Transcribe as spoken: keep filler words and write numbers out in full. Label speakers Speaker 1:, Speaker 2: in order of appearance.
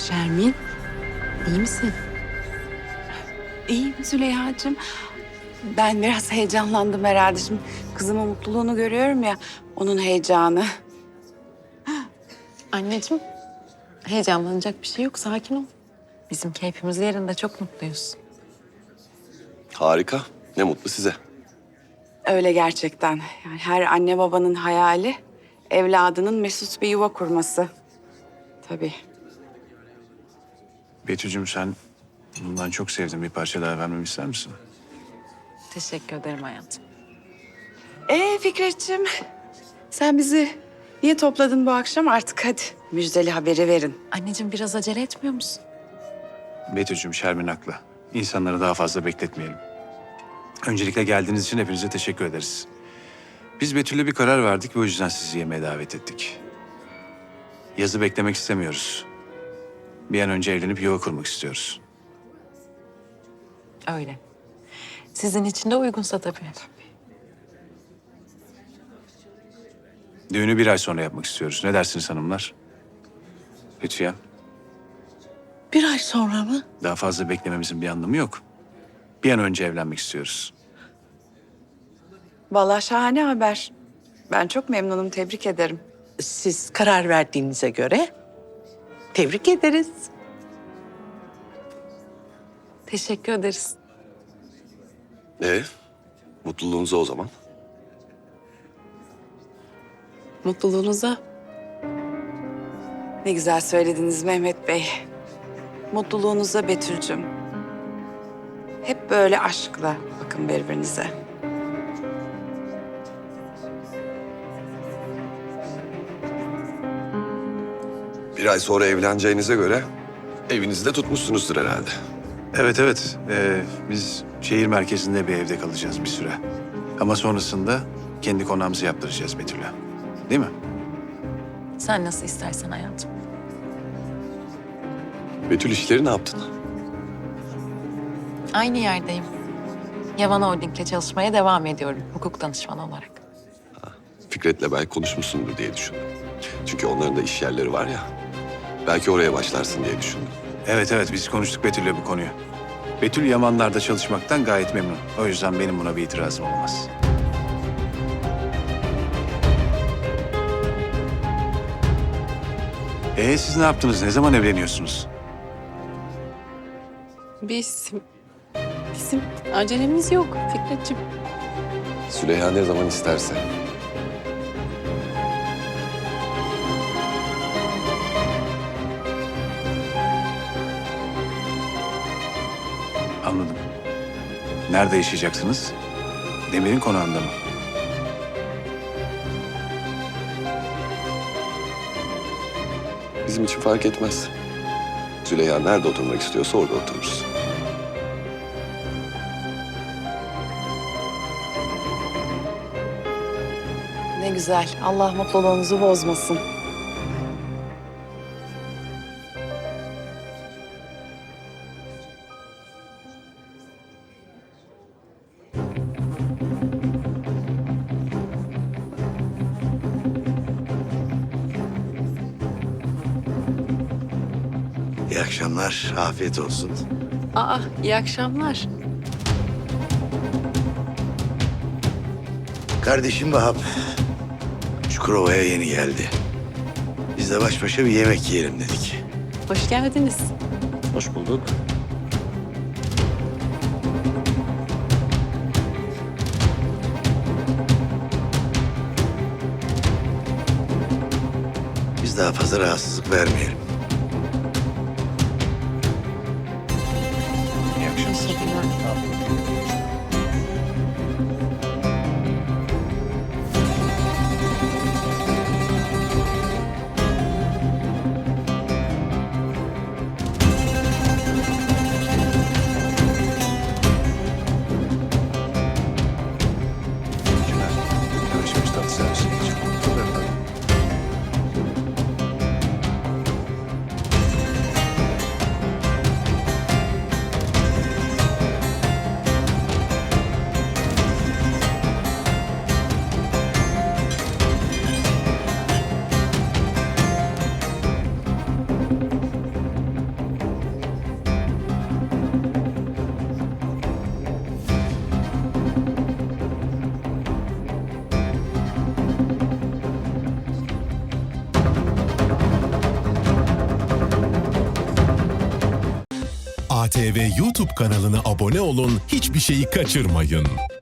Speaker 1: Şermin, iyi misin?
Speaker 2: İyiyim Züleyha'cığım. Ben biraz heyecanlandım herhalde. Şimdi kızımın mutluluğunu görüyorum ya, onun heyecanı.
Speaker 1: Anneciğim, heyecanlanacak bir şey yok. Sakin ol. Bizim keyfimiz yerinde. Çok mutluyuz.
Speaker 3: Harika. Ne mutlu size.
Speaker 2: Öyle gerçekten. Yani her anne babanın hayali evladının mesut bir yuva kurması. Tabii.
Speaker 4: Betül'cüm sen bundan çok sevdim. Bir parça daha vermemi ister misin?
Speaker 1: Teşekkür ederim hayatım.
Speaker 2: Ee Fikretciğim, sen bizi niye topladın bu akşam? Artık hadi müjdeli haberi verin.
Speaker 1: Anneciğim biraz acele etmiyor musun?
Speaker 4: Betül'cüm Şermin haklı. İnsanları daha fazla bekletmeyelim. Öncelikle geldiğiniz için hepinize teşekkür ederiz. Biz Betül'le bir karar verdik ve o yüzden sizi yemeğe davet ettik. Yazı beklemek istemiyoruz. Bir an önce evlenip yuva kurmak istiyoruz.
Speaker 1: Öyle. Sizin için de uygunsa tabii.
Speaker 4: Düğünü bir ay sonra yapmak istiyoruz. Ne dersiniz hanımlar? Lütfen.
Speaker 5: Bir ay sonra mı?
Speaker 4: Daha fazla beklememizin bir anlamı yok. Bir an önce evlenmek istiyoruz.
Speaker 2: Vallahi şahane haber. Ben çok memnunum, tebrik ederim.
Speaker 5: Siz karar verdiğinize göre tebrik ederiz.
Speaker 1: Teşekkür ederiz.
Speaker 3: Ee, mutluluğunuza o zaman.
Speaker 1: Mutluluğunuza.
Speaker 2: Ne güzel söylediniz Mehmet Bey. Mutluluğunuza Betül'cüm. Hep böyle aşkla bakın birbirinize.
Speaker 3: Bir ay sonra evleneceğinize göre evinizi de tutmuşsunuzdur herhalde.
Speaker 4: Evet evet. Ee, biz şehir merkezinde bir evde kalacağız bir süre. Ama sonrasında kendi konağımızı yaptıracağız Betül'e. Değil mi?
Speaker 1: Sen nasıl istersen hayatım.
Speaker 3: Betül işleri ne yaptın?
Speaker 1: Aynı yerdeyim. Yaman Holding'le çalışmaya devam ediyorum hukuk danışmanı olarak.
Speaker 3: Fikret'le belki konuşmuşsundur diye düşündüm. Çünkü onların da iş yerleri var ya. Belki oraya başlarsın diye düşündüm.
Speaker 4: Evet evet biz konuştuk Betül'le bu konuyu. Betül Yamanlar'da çalışmaktan gayet memnun. O yüzden benim buna bir itirazım olmaz. Ee siz ne yaptınız? Ne zaman evleniyorsunuz?
Speaker 6: Biz, bizim acelemiz yok Fikretciğim.
Speaker 3: Süleyha ne zaman isterse.
Speaker 4: Anladım. Nerede yaşayacaksınız? Demir'in konağında mı?
Speaker 3: Bizim için fark etmez. Züleyha nerede oturmak istiyorsa orada otururuz.
Speaker 2: Ne güzel. Allah mutluluğunuzu bozmasın.
Speaker 7: İyi akşamlar, afiyet olsun.
Speaker 6: Aa, iyi akşamlar.
Speaker 7: Kardeşim Vahap, Çukurova'ya yeni geldi. Biz de baş başa bir yemek yiyelim dedik.
Speaker 6: Hoş geldiniz.
Speaker 7: Hoş bulduk. Biz daha fazla rahatsızlık vermeyelim.
Speaker 4: İyi akşamlar. Yavaş yavaş tatlı servise geçelim.
Speaker 8: A T V YouTube kanalına abone olun, hiçbir şeyi kaçırmayın.